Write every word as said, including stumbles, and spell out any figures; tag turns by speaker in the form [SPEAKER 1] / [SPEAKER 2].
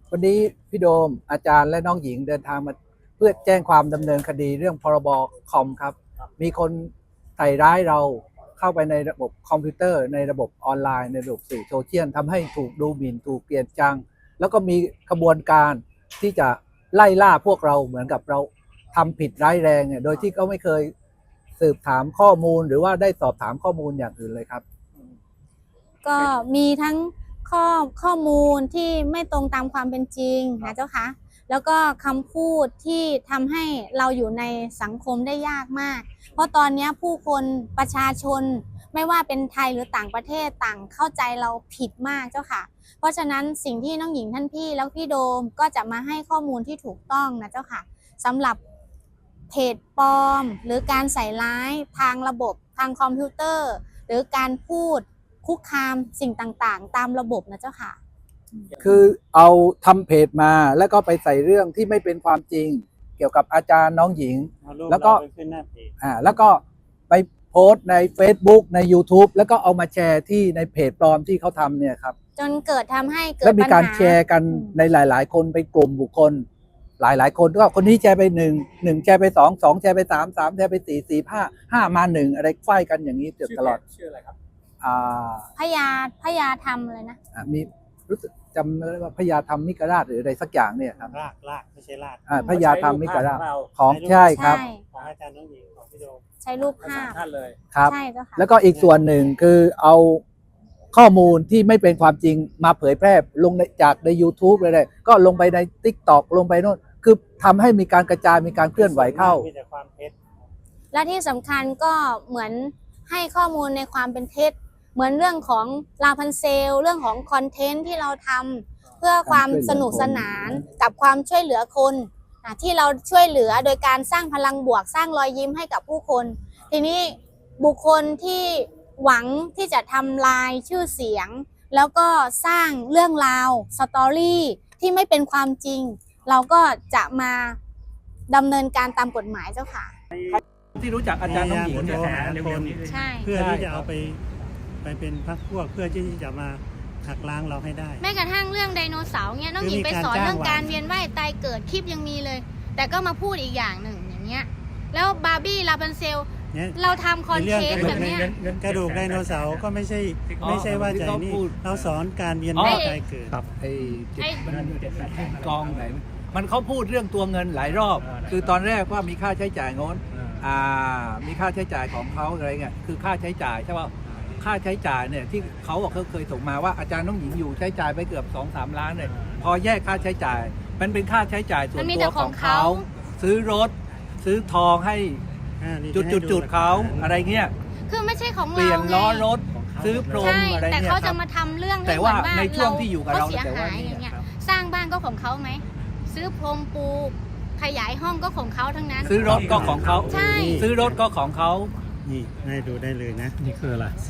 [SPEAKER 1] วันนี้พี่โดมอาจารย์และน้องหญิงเดินทางมาเพื่อแจ้งความดำเนินคดีเรื่องพรบคอมครับมีคนใส่ร้ายเราเข้าไปในระบบคอมพิวเตอร์ในระบบออนไลน์ในระบบสื่อโซเชียลทำให้ถูกดูหมิ่นถูกเกลียดชังแล้วก็มีกระบวนการที่จะไล่ล่าพวกเราเหมือนกับเราทำผิดร้ายแรงเนี่ยโดยที่เขาไม่เคยสืบถามข้อมูลหรือว่าได้สอบถามข้อมูลอย่างอื่นเลยครับ
[SPEAKER 2] ก็มีทั้งข้อข้อมูลที่ไม่ตรงตามความเป็นจริงนะเจ้าคะแล้วก็คำพูดที่ทำให้เราอยู่ในสังคมได้ยากมากเพราะตอนนี้ผู้คนประชาชนไม่ว่าเป็นไทยหรือต่างประเทศต่างเข้าใจเราผิดมากเจ้าค่ะเพราะฉะนั้นสิ่งที่น้องหญิงท่านพี่แล้วพี่โดมก็จะมาให้ข้อมูลที่ถูกต้องนะเจ้าค่ะสำหรับเพจปลอมหรือการใส่ร้ายทางระบบทางคอมพิวเตอร์หรือการพูดคุกคามสิ่งต่างๆตามระบบนะเจ้าค่ะ
[SPEAKER 1] คือเอาทำเพจมาแล้วก็ไปใส่เรื่องที่ไม่เป็นความจริงเกี่ยวกับอาจารย์น้องหญิงแล้วก็อ่าแล้วก็ไปโพสต์ใน Facebook ใน YouTube แล้วก็เอามาแชร์ที่ในเพจปลอมที่เขาทำเนี่ยครับ
[SPEAKER 2] จนเกิดทำให้เกิด
[SPEAKER 1] แล้วมีการแชร์กันในหลายๆคนไปกลุ่มบุคคลหลายๆคนก็คนนี้แชร์ไปหนึ่งหนึ่งแชร์ไปสองสองแชร์ไปสามสามแชร์ไปสี่สี่ห้าห้ามาหนึ่งอะไรไฟกันอย่างนี้ตลอด
[SPEAKER 3] ชื่ออะไรครับ
[SPEAKER 1] อ่า
[SPEAKER 2] พญาพญาธรรมเลยนะ
[SPEAKER 1] มีรู้สึกจำไม่ได้ว่าพญาธรรมมิกราชหรืออะไรสักอย่างเนี่ยครับ
[SPEAKER 3] รากรากไม่ใช่ราก
[SPEAKER 1] อ่าพญาธรรมมิกราชของใช่ครับ
[SPEAKER 3] ของอาจารย์น้องหญิงของพี่โดม
[SPEAKER 2] ใช้รูปภาพ
[SPEAKER 3] ท่านเลย
[SPEAKER 1] ครับ
[SPEAKER 2] ใช่เจ้าค่ะ
[SPEAKER 1] แล้วก็อีกส่วนหนึ่งคือเอาข้อมูลที่ไม่เป็นความจริงมาเผยแพร่ลงในจากใน YouTube เลยๆก็ลงไปใน TikTok ลงไปโน่นคือทำให้มีการกระจายมีการเคลื่อนไหวเข้า
[SPEAKER 3] มีแต่ความเท็จ
[SPEAKER 2] และที่สำคัญก็เหมือนให้ข้อมูลในความเป็นเท็จเหมือนเรื่องของลาพันเซลเรื่องของคอนเทนต์ที่เราทำเพื่อความสนุกสนานกับความช่วยเหลือคนที่เราช่วยเหลือโดยการสร้างพลังบวกสร้างรอยยิ้มให้กับผู้คนทีนี้บุคคลที่หวังที่จะทำลายชื่อเสียงแล้วก็สร้างเรื่องราวสตอรี่ที่ไม่เป็นความจริงเราก็จะมาดำเนินการตามกฎหมายเจ้าค่ะ
[SPEAKER 1] ที่รู้จักอาจารย์น้องหญิง
[SPEAKER 3] จะหาคน
[SPEAKER 2] ใช่
[SPEAKER 3] เพื่อที่จะเอาไปไปเป็นพรรคพวกเพื่อที่จะมาหักล้างเราให้ได้
[SPEAKER 2] แม้กระทั่งเรื่องไดโนเสาร์เนี่ยน้องหญิงไปสอนเรื่องการเวียนว่ายตายเกิดคลิปยังมีเลยแต่ก็มาพูดอีกอย่างหนึ่งอย่างเงี้ยแล้วบาร์บี้ลาพันเซลเราทำคอนเทนต์แบบนี้
[SPEAKER 3] กระดูกไดโนเสาร์ก็ไม่ใช่ไม่ใช่ว่าใจนี่เราสอนการเวียนว่ายตายเกิด
[SPEAKER 1] ครับไอ้กองไหนมันเขาพูดเรื่องตัวเงินหลายรอบคือตอนแรกว่ามีค่าใช้จ่ายโน้นอ่ามีค่าใช้จ่ายของเขาอะไรเงี้ยคือค่าใช้จ่ายใช่ป่ะค่าใช้จ่ายเนี่ยที่เขาบอกเขาเคยส่งมาว่าอาจารย์น้องหญิงอยู่ใช้จ่ายไปเกือบ สองถึงสาม ล้านเลยพอแยกค่าใช้จ่ายมันเป็นค่าใช้จ่ายส่วนตัวของเขาซื้อรถซื้อทองให้จุดจุดจุดเขาอะไรเงี้ย
[SPEAKER 2] คือไม่ใช่ของเรา
[SPEAKER 1] เปลี่ยนล้อรถซื้อพรมอะไรเนี่ย
[SPEAKER 2] แต่เขาจะมาทำเรื่อง
[SPEAKER 1] แต่ว่าในช่วงที่อยู่กับเรา
[SPEAKER 2] เสียหายอย่างเงี้ยสร้างบ้านก็ของเขาไหมซื้อพรมปูขยายห้องก็ของเขาทั้งนั้น
[SPEAKER 1] ซื้อรถก็ของเขา
[SPEAKER 2] ใช่
[SPEAKER 1] ซื้อรถก็ของเขา
[SPEAKER 3] นี่ให้ดูได้เลยนะ
[SPEAKER 1] นี่คืออะไร